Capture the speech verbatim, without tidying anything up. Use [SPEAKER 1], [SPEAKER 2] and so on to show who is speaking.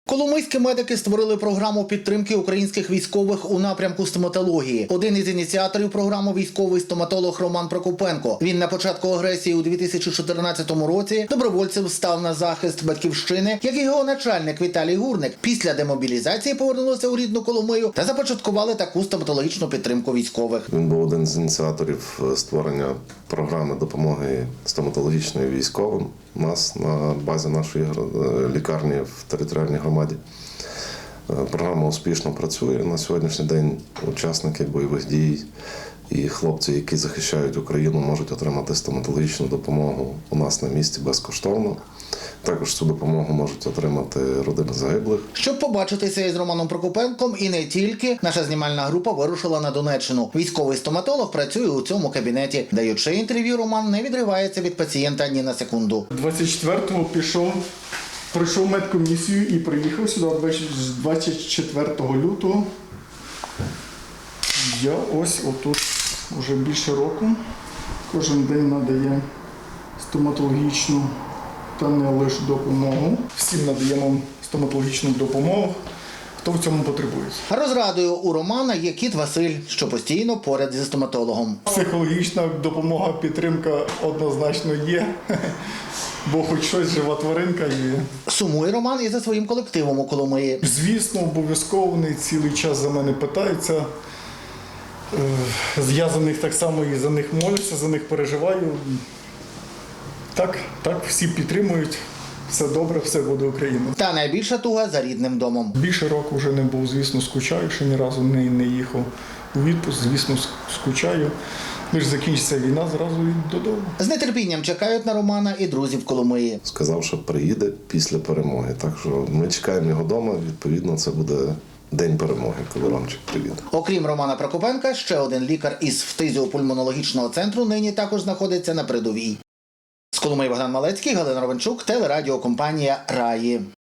[SPEAKER 1] Коломийські медики створили програму підтримки українських військових у напрямку стоматології. Один із ініціаторів програми – військовий стоматолог Роман Прокопенко. Він на початку агресії у дві тисячі чотирнадцятому році добровольцем став на захист батьківщини, як і його начальник Віталій Гурник. Після демобілізації повернулися у рідну Коломию та започаткували таку стоматологічну підтримку військових.
[SPEAKER 2] Він був один з ініціаторів створення програми допомоги стоматологічної військовим у нас на базі нашої лікарні в територіальній громаді. Програма успішно працює. На сьогоднішній день учасники бойових дій і хлопці, які захищають Україну, можуть отримати стоматологічну допомогу у нас на місці безкоштовно. Також цю допомогу можуть отримати родини загиблих.
[SPEAKER 1] Щоб побачитися із Романом Прокопенком і не тільки, наша знімальна група вирушила на Донеччину. Військовий стоматолог працює у цьому кабінеті. Даючи інтерв'ю, Роман не відривається від пацієнта ні на секунду.
[SPEAKER 3] двадцять четвертого пішов, пройшов медкомісію і приїхав сюди двадцять четвертого лютого. Я ось отут вже більше року. Кожен день надає стоматологічну та не лише допомогу. Всім надаємо стоматологічну допомогу, хто в цьому потребує.
[SPEAKER 1] Розрадою у Романа є кіт Василь, що постійно поряд зі стоматологом.
[SPEAKER 3] Психологічна допомога, підтримка однозначно є, бо хоч щось жива тваринка є.
[SPEAKER 1] Сумує Роман і за своїм колективом у Коломиї.
[SPEAKER 3] Звісно, обов'язково вони цілий час за мене питаються. Я за них так само і за них молюся, за них переживаю. Так, так, всі підтримують. Все добре, все буде Україна.
[SPEAKER 1] Та найбільша туга за рідним домом.
[SPEAKER 3] Більше року вже не був, звісно, скучаю, що ні разу не, не їхав у відпуск, звісно, скучаю. Лише закінчиться війна, зразу і додому.
[SPEAKER 1] З нетерпінням чекають на Романа і друзі в Коломиї.
[SPEAKER 2] Сказав, що приїде після перемоги. Так що ми чекаємо його вдома, відповідно, це буде день перемоги, коли Ромчик приїде.
[SPEAKER 1] Окрім Романа Прокопенка, ще один лікар із фтизіопульмонологічного центру нині також знаходиться на передовій. З Коломиї Богдан Малецький, Галина Ровенчук, телерадіокомпанія «Раї».